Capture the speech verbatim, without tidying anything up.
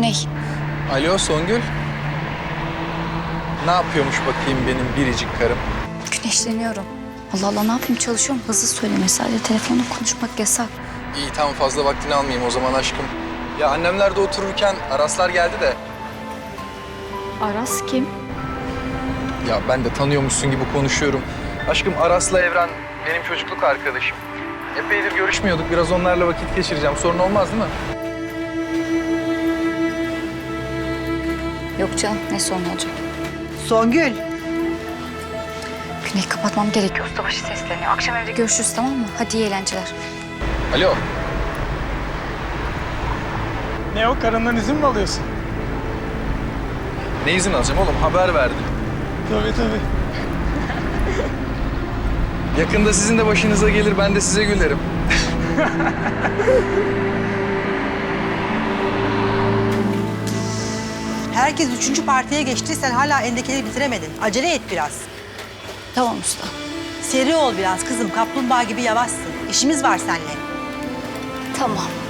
Güney. Alo Songül. Ne yapıyormuş bakayım benim biricik karım? Güneşleniyorum. Allah Allah ne yapayım çalışıyorum. Hızlı söyleme sadece telefonla konuşmak yasak. İyi tamam fazla vaktini almayayım o zaman aşkım. Ya annemler de otururken Araslar geldi de. Aras kim? Ya ben de tanıyormuşsun gibi konuşuyorum. Aşkım Aras'la Evren benim çocukluk arkadaşım. Epeydir görüşmüyorduk. Biraz onlarla vakit geçireceğim. Sorun olmaz değil mi? Yok canım ne sorun olacak. Songül. Güney kapatmam gerekiyor. Ustabaşı sesleniyor. Akşam evde görüşürüz tamam mı? Hadi iyi eğlenceler. Alo. Ne o, karından izin mi alıyorsun? Ne izin alacağım oğlum? Haber verdim. Tabii tabii. Yakında sizin de başınıza gelir. Ben de size gülerim. Herkes üçüncü partiye geçti. Sen hala endekeleri bitiremedin. Acele et biraz. Tamam usta. Seri ol biraz kızım. Kaplumbağa gibi yavaşsın. İşimiz var seninle. Tamam.